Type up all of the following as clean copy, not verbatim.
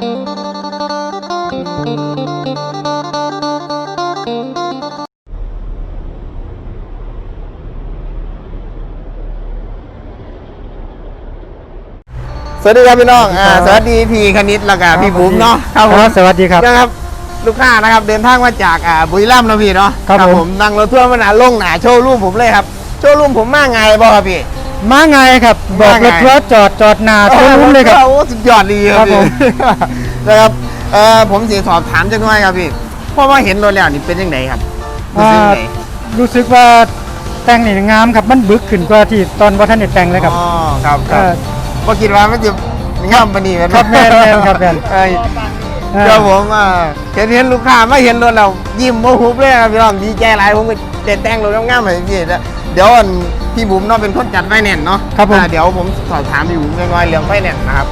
สวัสดีครับพี่น้องสวัสดีพี่คณิตแล้วก็พี่บุ๋มเนาะครับผมสวัสดีครับนะครับลูกค้านะครับเดินทางมาจากบุรีรัมย์นะพี่เนาะครับผมนั่งรถทัวร์มาหนาลงหนาโชว์รูมผมเลยครับโชว์รูมผมมาไงบ่ครับพี่มาไงครับบอกรถทัวร์จอดหน้าโชว์รูมเลยครับโอ้สุดยอดดีครับผมนะครับผมสิสอบถามจังหน่อยครับพี่เพราะว่าเห็นรถแล้วนี่เป็นยังไงครับรู้สึกว่าแต่งนี่งามครับมันบึกขึ้นกว่าที่ตอนว่าท่านได้แต่งเลยครับอ๋อครับก็คิดว่ามันจะงามปานนี้ครับแม่นครับแม่นเดี๋ยวผมเห็นลูกค้าไม่เห็นรถเรายิ้มโมโหเลยครับพี่น้องดีใจหลายผมก็แต่งรถงามๆให้พี่เดี๋ยวพี่บุ๋มเนาะเป็นคนจัดไฟแนนซ์เนาะครับผมเดี๋ยวผมสอบถามพี่บุ๋มน้อยๆเรื่องไฟแนนซ์นะครับ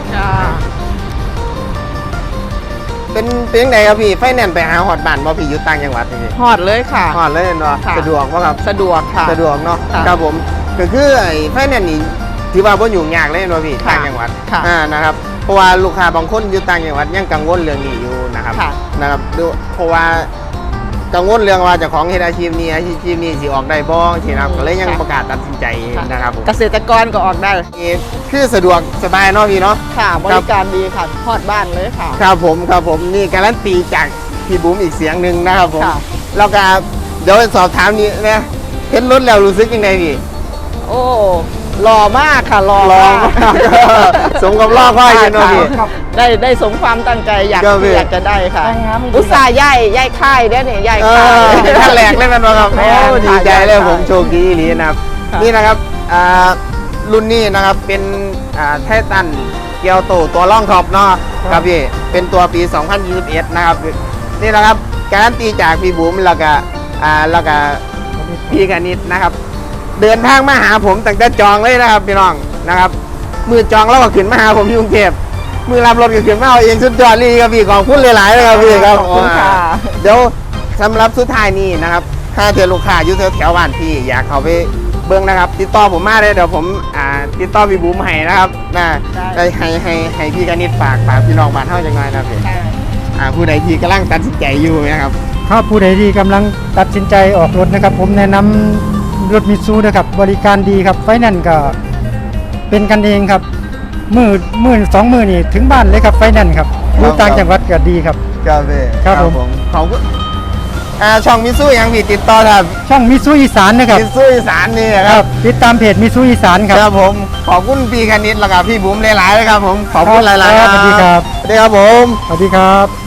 เป็นยังไงครับพี่ไฟแนนซ์ไปหาหอดบ้านบ่พี่อยู่ต่างจังหวัดพี่หอดเลยค่ะหอดเลยเนาะสะดวกป่ะครับสะดวกค่ะสะดวกเนาะครับผมก็คือไอ้ไฟแนนซ์นี่ถือว่าบ่ยุ่งยากเลยเนาะพี่ต่างจังหวัดนะครับเพราะว่าลูกค้าบางคนอยู่ต่างจังหวัดยังกังวลเรื่องนี้อยู่นะครับดูเพราะว่ากังวลเรื่องว่าเจ้าของเฮ็ดอาชีพนี้สิออกได้บ่ที่นะครับก็เลยยังประกาศตัดสินใจนะครับเกษตรกรก็ออกได้คือสะดวกสบายเนาะพี่เนาะค่ะบริการดีค่ะฮอดบ้านเลยค่ะครับผมนี่การันตีจากพี่บุ๋มอีกเสียงหนึ่งนะครับผมแล้วก็เดี๋ยวสอบถามนี้นะเห็นรถแล้วรู้สึกยังไงพี่โอ้หล่อมากค่ะหล่อมากสมกับล่อพ่ออยู่เนาะพี่ได้สมความตั้งใจอยากจะได้ค่ะอุตส่าห์ย่ายค่ายได้เนี่ยย่ายค่ายท่านแหลกเลยมันครับโอ้ดีใจเลยผมโชคดีนี่นะครับนี่นะครับรุ่นนี้นะครับเป็นไททันเกียวโตตัวล่องท็อปเนาะครับพี่เป็นตัวปี 2021 นะครับนี่นะครับการันตีจากพี่บุ๋มแล้วก็พี่กนิษฐ์นะครับเดินทางมาหาผมตั้งแต่จองเลยนะครับพี่น้องนะครับมือจองแล้วก็ขึ้นมาหาผมที่กรุงเทพมือรับรถก็ขึ้นมาเอาเองสุดยอดเลยครับพี่ขอบคุณหลายๆเลยครับพี่ครับขอบคุณค่ะเดี๋ยวสำหรับสุดท้ายนี้นะครับถ้าเจอลูกค้าอยู่แถวบ้านพี่อยากเข้าไปเบิ้งนะครับติดต่อผมมาเลยเดี๋ยวผมติดต่อพี่บุ๋มให้นะครับให้พี่กนิษฐ์ฝากพี่น้องบ้านเท่าจังไงนะพี่ผู้ใดที่กำลังตัดสินใจอยู่นะครับถ้าผู้ใดที่กำลังตัดสินใจออกรถนะครับผมแนะนำรถมิตซูนะครับบริการดีครับไฟแนนซ์ก็เป็นกันเองครับมือ2 มือนี่ถึงบ้านเลยครับไฟแนนซ์ครับอยู่ต่างจังหวัดก็ดีครับครับผมขอบคุณช่องมิซูยังพี่ติดต่อครับช่องมิซูอีสานนะครับมิซูอีสานนี่ครับติดตามเพจมิซูอีสานครับผมขอบคุณพี่คณิตแล้วก็พี่บุ๋มหลายๆเลยครับผมขอบคุณหลายๆสวัสดีครับสวัสดีครับผมสวัสดีครับ